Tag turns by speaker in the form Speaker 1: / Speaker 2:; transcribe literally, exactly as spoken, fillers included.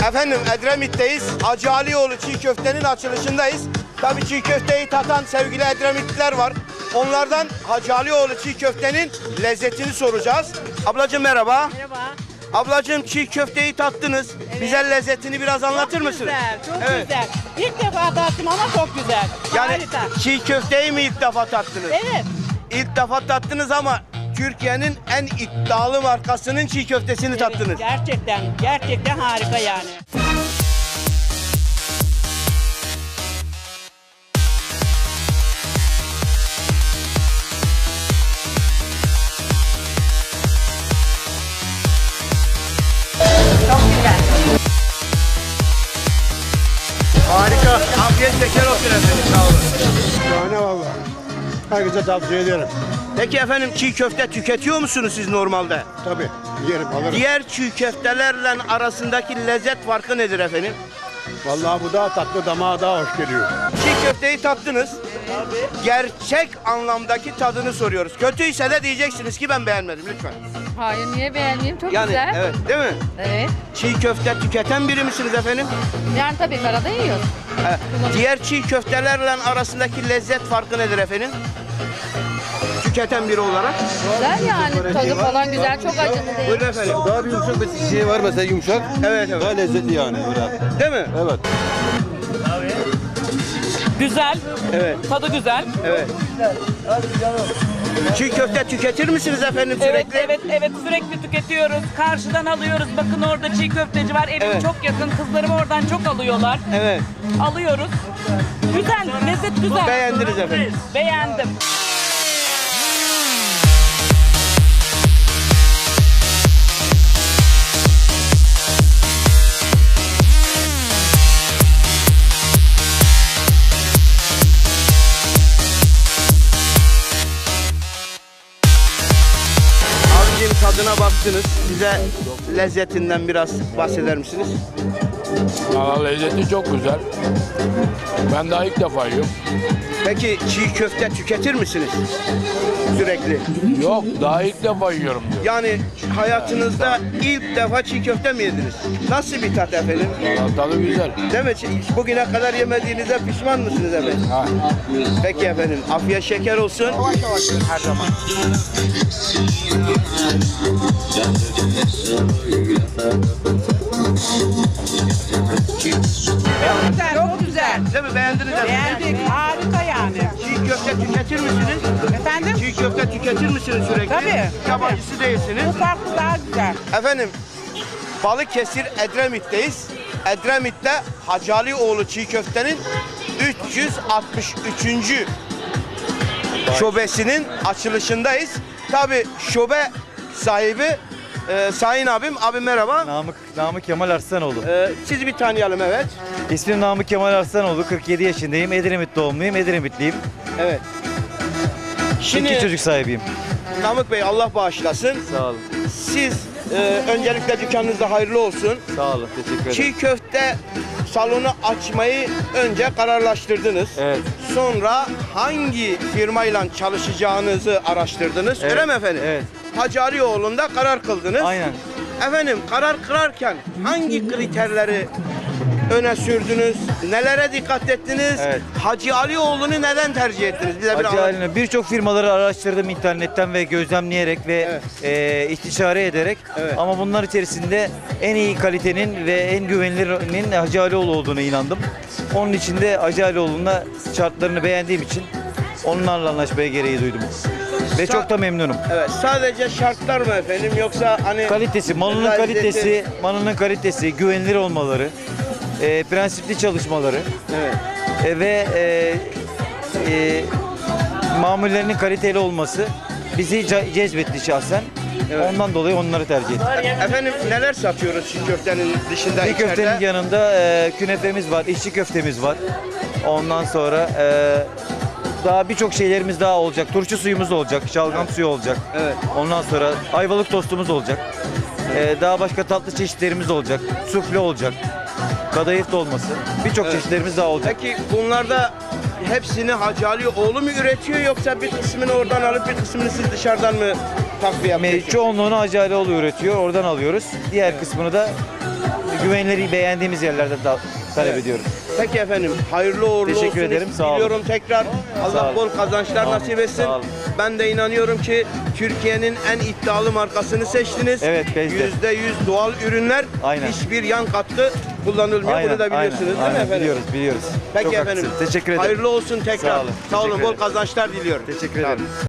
Speaker 1: Efendim Edremit'teyiz. Hacı Alioğlu çiğ köftenin açılışındayız. Tabii çiğ köfteyi tatan sevgili Edremitliler var. Onlardan Hacı Alioğlu çiğ köftenin lezzetini soracağız. Ablacığım merhaba.
Speaker 2: Merhaba.
Speaker 1: Ablacığım çiğ köfteyi tattınız.
Speaker 2: Evet.
Speaker 1: Bize lezzetini biraz anlatır
Speaker 2: Çok
Speaker 1: mısınız?
Speaker 2: güzel, çok
Speaker 1: Evet.
Speaker 2: güzel. İlk defa tattım ama çok güzel.
Speaker 1: Yani
Speaker 2: Harika.
Speaker 1: çiğ köfteyi mi ilk defa tattınız?
Speaker 2: Evet.
Speaker 1: İlk defa tattınız ama Türkiye'nin en iddialı markasının çiğ köftesini
Speaker 2: Evet,
Speaker 1: tattınız.
Speaker 2: gerçekten, gerçekten harika yani. Çok güzel.
Speaker 1: Harika. Afiyet şeker olsun efendim. Sağ olun.
Speaker 3: Şahane valla. Herkese tavsiye ediyorum.
Speaker 1: Peki efendim çiğ köfte tüketiyor musunuz siz normalde?
Speaker 3: Tabii. Yerim alırım.
Speaker 1: Diğer çiğ köftelerle arasındaki lezzet farkı nedir efendim?
Speaker 3: Vallahi bu daha tatlı, damağa daha hoş geliyor.
Speaker 1: Çiğ köfteyi tattınız. Gerçek anlamdaki tadını soruyoruz. Kötüyse de diyeceksiniz ki ben beğenmedim lütfen.
Speaker 4: Hayır, niye beğenmeyeyim? Çok
Speaker 1: Yani
Speaker 4: güzel.
Speaker 1: evet değil mi?
Speaker 4: Evet.
Speaker 1: Çiğ köfte tüketen biri misiniz efendim?
Speaker 4: Yani tabii karada yiyoruz.
Speaker 1: Ee, diğer çiğ köftelerle arasındaki lezzet farkı nedir efendim? Tüketen biri olarak.
Speaker 4: Güzel yani. Tadı falan güzel. Çok acılı değil.
Speaker 1: Buyurun efendim.
Speaker 5: Daha bir yumuşak bir şey var mesela yumuşak.
Speaker 1: Evet evet.
Speaker 5: Daha lezzetli yani öyle.
Speaker 1: Değil mi?
Speaker 5: Evet.
Speaker 6: Güzel,
Speaker 1: Evet.
Speaker 6: tadı güzel.
Speaker 1: Evet. Çiğ köfte tüketir misiniz efendim
Speaker 6: Evet,
Speaker 1: sürekli?
Speaker 6: evet, evet sürekli tüketiyoruz. Karşıdan alıyoruz. Bakın orada çiğ köfteci var. Evim
Speaker 1: Evet.
Speaker 6: çok yakın. Kızlarım oradan çok alıyorlar.
Speaker 1: Evet.
Speaker 6: Alıyoruz. Güzel, lezzet güzel.
Speaker 1: Beğendiniz efendim.
Speaker 6: Beğendim.
Speaker 1: Abicim tadına baktınız. Bize lezzetinden biraz bahseder misiniz?
Speaker 7: Valla lezzeti çok güzel. Ben daha ilk defa yiyorum.
Speaker 1: Peki çiğ köfte tüketir misiniz? Sürekli.
Speaker 7: Yok, daha ilk defa yiyorum diyor.
Speaker 1: Yani hayatınızda ilk defa çiğ köfte mi yediniz? Nasıl bir tat efendim?
Speaker 7: Valla tadı güzel.
Speaker 1: Değil mi? Çi- Bugüne kadar yemediğinize pişman mısınız efendim?
Speaker 7: Ha.
Speaker 1: Peki efendim. Afiyet şeker olsun. Her zaman.
Speaker 2: Güzel, çok güzel.
Speaker 1: Değil mi? Beğendiniz efendim?
Speaker 2: Beğendik, harika yani.
Speaker 1: Çiğ köfte tüketir misiniz?
Speaker 2: Efendim?
Speaker 1: Çiğ köfte tüketir misiniz sürekli?
Speaker 2: Tabii.
Speaker 1: Yabancısı değilsiniz.
Speaker 2: Bu farklı daha güzel.
Speaker 1: Efendim, Balıkesir Edremit'teyiz. Edremit'te Hacı Alioğlu çiğ köftenin üç yüz altmış üçüncü şubesinin açılışındayız. Tabii şube sahibi e, Sayın abim. Abim merhaba.
Speaker 8: Namık, Namık Kemal Arslanoğlu.
Speaker 1: E, sizi bir tanıyalım evet.
Speaker 8: İsmim Namık Kemal Arslanoğlu. kırk yedi yaşındayım. Edremit doğumluyum. Edremitliyim.
Speaker 1: Evet.
Speaker 8: Şimdi
Speaker 1: Şimdi
Speaker 8: çocuk sahibiyim.
Speaker 1: Namık Bey Allah bağışlasın.
Speaker 8: Sağ olun.
Speaker 1: Siz e, öncelikle dükkanınızda hayırlı olsun.
Speaker 8: Sağ olun. Teşekkür ederim.
Speaker 1: Çiğ köfte salonu açmayı önce kararlaştırdınız.
Speaker 8: Evet.
Speaker 1: Sonra hangi firmayla çalışacağınızı araştırdınız.
Speaker 8: Evet,
Speaker 1: Öyle mi efendim?
Speaker 8: evet.
Speaker 1: Hacı Alioğlu'nda karar kıldınız.
Speaker 8: Aynen.
Speaker 1: Efendim karar kırarken hangi kriterleri öne sürdünüz? Nelere dikkat ettiniz?
Speaker 8: Evet.
Speaker 1: Hacı Alioğlu'nu neden tercih ettiniz? Bize bir
Speaker 8: Hacı
Speaker 1: anlatın.
Speaker 8: Ali'ne birçok firmaları araştırdım internetten ve gözlemleyerek ve
Speaker 1: Evet.
Speaker 8: e, istişare ederek.
Speaker 1: Evet.
Speaker 8: Ama bunlar içerisinde en iyi kalitenin ve en güvenilirinin Hacı Alioğlu olduğuna inandım. Onun için de Hacı Alioğlu'na şartlarını beğendiğim için onlarla anlaşmaya gereği duydum. Ve
Speaker 1: Sa-
Speaker 8: çok da memnunum.
Speaker 1: Evet. Sadece şartlar mı efendim yoksa hani
Speaker 8: Kalitesi, malının
Speaker 1: lezzeti-
Speaker 8: kalitesi, malının kalitesi, güvenilir olmaları, e, prensipli çalışmaları
Speaker 1: Evet.
Speaker 8: e, ve e, e, mamullerinin kaliteli olması bizi ce- cezbetti şahsen.
Speaker 1: Evet.
Speaker 8: Ondan dolayı onları tercih ettim.
Speaker 1: Efendim neler satıyoruz çiğ köftenin dışında
Speaker 8: Bir
Speaker 1: içeride?
Speaker 8: köftenin yanında e, künefemiz var, içli köftemiz var. Ondan sonra e, daha birçok şeylerimiz daha olacak. Turşu suyumuz olacak, şalgam suyu olacak.
Speaker 1: Evet.
Speaker 8: Ondan sonra ayvalık tostumuz olacak. E, daha başka tatlı çeşitlerimiz olacak. Sufle olacak. Kadayıf dolması. Birçok
Speaker 1: Evet.
Speaker 8: çeşitlerimiz daha olacak.
Speaker 1: Peki bunlarda hepsini Hacı Alioğlu mu üretiyor yoksa bir kısmını oradan alıp bir kısmını siz dışarıdan mı takviye
Speaker 8: Me-
Speaker 1: yapıyorsunuz?
Speaker 8: Çoğunluğunu Hacı Alioğlu üretiyor. Oradan alıyoruz. Diğer kısmını da güvenilir beğendiğimiz yerlerde da talep
Speaker 1: Evet.
Speaker 8: ediyoruz.
Speaker 1: Peki efendim, hayırlı uğurlu
Speaker 8: Teşekkür
Speaker 1: olsun.
Speaker 8: ederim, sağ olun.
Speaker 1: Diliyorum tekrar.
Speaker 8: Sağ
Speaker 1: Allah
Speaker 8: olun.
Speaker 1: bol kazançlar
Speaker 8: Sağ olun,
Speaker 1: nasip etsin.
Speaker 8: sağ olun.
Speaker 1: Ben de inanıyorum ki Türkiye'nin en iddialı markasını seçtiniz.
Speaker 8: Evet, Bezde.
Speaker 1: yüzde yüz doğal ürünler.
Speaker 8: Aynen.
Speaker 1: Hiçbir yan katkı kullanılmıyor. Bunu da biliyorsunuz değil mi
Speaker 8: aynen,
Speaker 1: efendim?
Speaker 8: Biliyoruz, biliyoruz.
Speaker 1: Peki
Speaker 8: Çok
Speaker 1: efendim.
Speaker 8: haklısın. Teşekkür ederim.
Speaker 1: Hayırlı olsun tekrar.
Speaker 8: Sağ olun,
Speaker 1: Sağ olun.
Speaker 8: teşekkür
Speaker 1: Bol
Speaker 8: ederim.
Speaker 1: kazançlar diliyorum.
Speaker 8: Teşekkür
Speaker 1: Sağ olun.
Speaker 8: ederim.